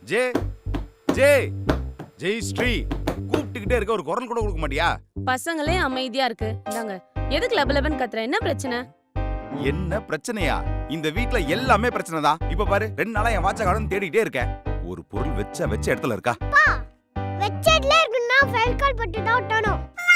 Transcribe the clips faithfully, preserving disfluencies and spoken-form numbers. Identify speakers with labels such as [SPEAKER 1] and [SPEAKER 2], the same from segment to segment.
[SPEAKER 1] J ஜே ஜெய் ஸ்ரீ கூப்பிட்டுக்கிட்டே இருக்க, ஒரு குரல் கூட கொடுக்க மாட்டியா?
[SPEAKER 2] பசங்களே அமைதியா இருக்கு. இந்தாங்க. எதுக்கு லப லபன் கத்துற? என்ன பிரச்சனை?
[SPEAKER 1] என்ன பிரச்சனையா? இந்த வீட்ல எல்லாமே பிரச்சனை தான். இப்ப பாரு, ரெண்டு நாளா என் வாட்ச காணோம்னு தேடிட்டே இருக்கேன். ஒரு பொருள் வெச்ச வெச்ச இடத்துல இருக்கா?
[SPEAKER 3] பா வெச்ச இடத்துல இருக்குன்னா ஃபைல் கால் பட்டு தான் ஒட்டணும்.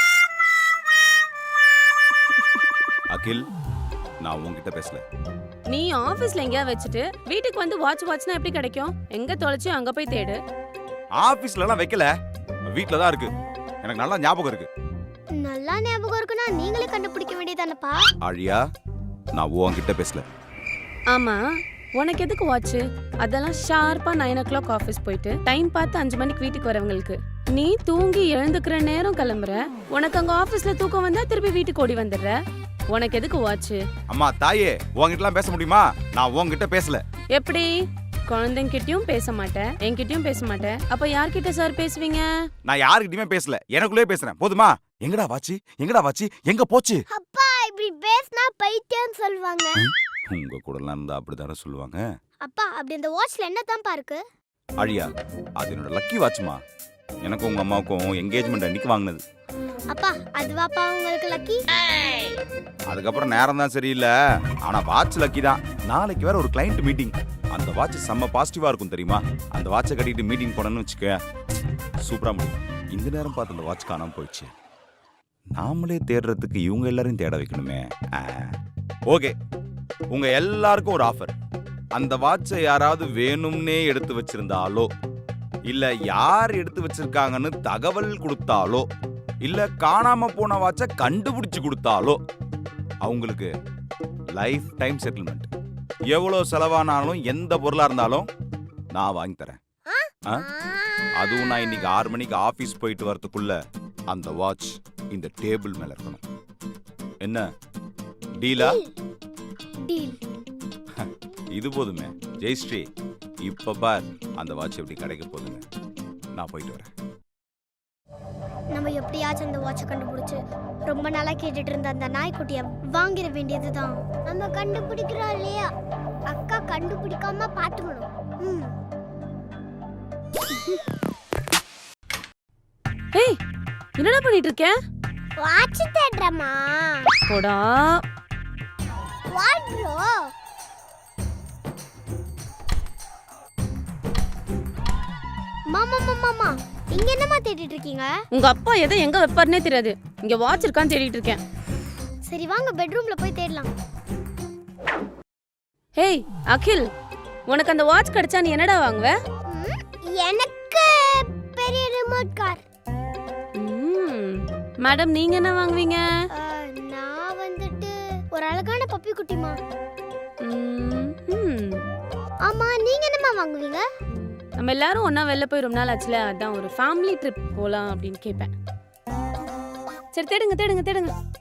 [SPEAKER 1] அகில், நான் உன்கிட்ட பேசல.
[SPEAKER 2] நீ ஆபீஸ்ல எங்கயா வச்சுட்டு வீட்டுக்கு வந்து வாட்ச் வாட்ச்னா எப்படி கிடைக்கும்? எங்க தொலைச்சு அங்க போய் தேடு.
[SPEAKER 1] ஆபீஸ்ல எல்லாம் வைக்கல, வீட்ல தான் இருக்கு. எனக்கு நல்லா ஞாபகம் இருக்கு.
[SPEAKER 3] நல்லா ஞாபகம் இருக்குன்னா நீங்களே கண்டுபிடிக்க வேண்டியதானப்பா.
[SPEAKER 1] ஆழியா, நான் உன்கிட்ட பேசல.
[SPEAKER 2] ஆமா, உனக்கு எதுக்கு வாட்ச்? அதெல்லாம் ஷார்ப்பா நைன் ஓ கிளாக் ஆஃபீஸ் போயிட்டு டைம் பார்த்து அஞ்சு மணிக்கு வீட்டுக்கு வரவங்களுக்கு. நீ தூங்கி எழுந்துக்கிற நேரம் கிளம்புற. உனக்கு அங்க ஆபீஸ்ல தூக்கம் வந்தா திருப்பி வீட்டுக்கு ஓடி வந்துடுற. உனக்கு எதுக்கு வாட்ச்?
[SPEAKER 1] அம்மா தாயே, உன்கிட்டலாம் பேச முடியுமா? நான் உன்கிட்ட பேசல.
[SPEAKER 2] எப்படி? குழந்தைங்கிட்டயும் பேச மாட்டேன், என்கிட்டயும் பேச மாட்டேன். அப்ப யார்கிட்ட சார் பேசுவீங்க?
[SPEAKER 1] நான் யாருக்கிட்டயுமே பேசல, எனக்குள்ளே பேசுறேன். போதுமா? எங்கடா வாட்சி? எங்கடா வாட்சி? எங்க போச்சு?
[SPEAKER 3] அப்பா இப்படி பேசினா பைத்தியம் சொல்வாங்க.
[SPEAKER 1] உங்க கூடலாம் இருந்தா அப்படிதானே சொல்லுவாங்க.
[SPEAKER 3] அப்பா அப்படி இந்த வாட்ச்ல என்னதான்ப்பா இருக்கு?
[SPEAKER 1] அழியா, அது என்னோட லக்கி வாட்ச்மா. எனக்கும் உங்க அம்மாவுக்கும் என்கேஜ்மெண்ட் அன்னைக்கு வாங்கினது.
[SPEAKER 3] அப்பா அதுவாப்பா உங்களுக்கு லக்கி?
[SPEAKER 1] அதுக்கப்புறம் நேரம் தான் சரியில்லை, ஆனா வாட்ச் லக்கி தான். நாளைக்கு வேற ஒரு கிளைண்ட் மீட்டிங். அந்த வாட்ச் செம்ம பாசிட்டிவா இருக்கும் தெரியுமா? அந்த வாட்சை கட்டிட்டு மீட்டிங் போனேன்னு வச்சுக்க, சூப்பரா முடியும். இந்த நேரம் பார்த்து அந்த வாட்ச் காணாம போயிடுச்சு. நாமளே தேடுறதுக்கு இவங்க எல்லாரையும் தேட வைக்கணுமே. ஓகே, உங்க எல்லாருக்கும் ஒரு ஆஃபர். அந்த வாட்சை யாராவது வேணும்னே எடுத்து வச்சிருந்தாலோ, இல்ல யார் எடுத்து வச்சிருக்காங்கன்னு தகவல் கொடுத்தாலோ, இல்ல காணாம போன வாட்சை கண்டுபிடிச்சு கொடுத்தாலோ அவங்களுக்கு லைஃப் டைம் செட்டில்மெண்ட். எவ்வளவு செலவானாலும் எந்த பொருளா இருந்தாலும் நான் வாங்கி தரேன். அதுவும் நான் இன்னைக்கு ஆறு மணிக்கு ஆபீஸ் போயிட்டு வரதுக்குள்ள அந்த வாட்ச் இந்த டேபிள் மேல இருக்கணும். என்ன டீலா?
[SPEAKER 3] டீல்.
[SPEAKER 1] இது போதுமே ஜெயஸ்ரீ. இப்ப பார் அந்த வாட்ச் எப்படி கிடைக்க போகுதுன்னு. நான் போயிட்டு வரேன்.
[SPEAKER 3] நம்ம எப்படியாச்சும் அந்த வாட்சை கண்டுபிடிச்சு ரொம்ப நாளா கேட்டுட்டு இருந்த அந்த நாய்க்குட்டியை வாங்கிட வேண்டியதுதான். நம்ம கண்டுபிடிக்கிறோம் இல்லையா? அக்கா கண்டுபிடிக்காம பாத்துக்கணும். ம்.
[SPEAKER 2] ஏய், என்னடா பண்ணிட்டு இருக்க?
[SPEAKER 3] வாட்ச் தேடுறமா?
[SPEAKER 2] போடா.
[SPEAKER 3] What bro? மாமா மாமா மாமா, இங்க என்னமா தேடிட்டு இருக்கீங்க?
[SPEAKER 2] உங்க அப்பா எதை எங்க வைப்பாருனே தெரியாது. இங்க வாட்ச் இருக்கான்னு தேடிட்டு இருக்கேன்.
[SPEAKER 3] சரி வாங்க பெட்ரூம்ல போய் தேடலாம்.
[SPEAKER 2] ஹேய் அகில், உனக்கு அந்த வாட்ச் கிடைச்சா நீ என்னடா வாங்குவ?
[SPEAKER 3] ம், எனக்கு பெரிய ரிமோட் கார்.
[SPEAKER 2] மேடம், நீங்க என்ன வாங்குவீங்க?
[SPEAKER 3] அஹ், நான் வந்துட்டு ஒரு அழகான பப்பி குட்டிமா. ஆமா, நீங்க என்னமா வாங்குவீங்க?
[SPEAKER 2] நம்ம எல்லாரும் ஒண்ணா வெளில போய் ரொம்ப நாள் ஆச்சுல, அதான் ஒரு ஃபேமிலி ட்ரிப் போலாம் அப்படின்னு கேட்பேன். சரி தேடுங்க தேடுங்க தேடுங்க.